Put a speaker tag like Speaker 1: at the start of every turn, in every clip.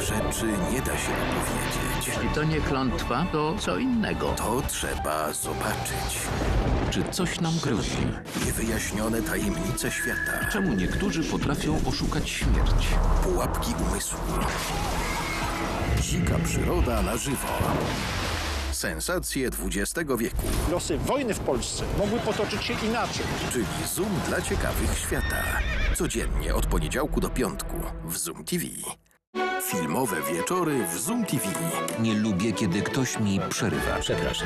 Speaker 1: rzeczy nie da się opowiedzieć.
Speaker 2: Jeśli to nie klątwa, to co innego.
Speaker 1: To trzeba zobaczyć.
Speaker 2: Czy coś nam grozi?
Speaker 1: Niewyjaśnione tajemnice świata.
Speaker 2: Czemu niektórzy potrafią oszukać śmierć?
Speaker 1: Pułapki umysłu. Dzika przyroda na żywo. Sensacje XX wieku.
Speaker 3: Losy wojny w Polsce mogły potoczyć się inaczej.
Speaker 1: Czyli Zoom dla ciekawych świata. Codziennie od poniedziałku do piątku w Zoom TV. Filmowe wieczory w Zoom TV.
Speaker 4: Nie lubię, kiedy ktoś mi przerywa. Przepraszam.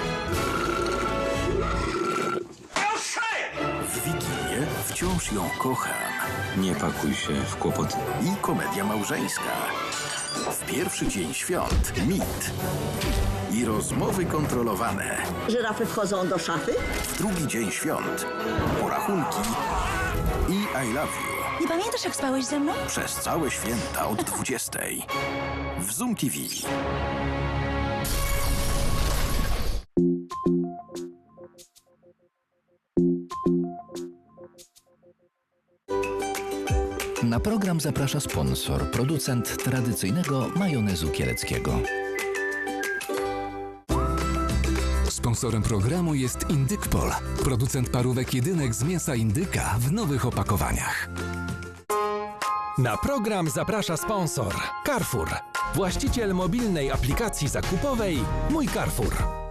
Speaker 1: W Wigilię wciąż ją kocham.
Speaker 4: Nie pakuj się w kłopoty.
Speaker 1: I komedia małżeńska. W pierwszy dzień świąt mit. I rozmowy kontrolowane.
Speaker 5: Żyrafy wchodzą do szafy?
Speaker 1: W drugi dzień świąt porachunki i I love you.
Speaker 6: Nie pamiętasz, jak spałeś ze mną?
Speaker 1: Przez całe święta od 20. W Zoom TV.
Speaker 7: Na program zaprasza sponsor, producent tradycyjnego majonezu kieleckiego.
Speaker 8: Sponsorem programu jest Indykpol, producent parówek jedynek z mięsa indyka w nowych opakowaniach.
Speaker 9: Na program zaprasza sponsor Carrefour, właściciel mobilnej aplikacji zakupowej Mój Carrefour.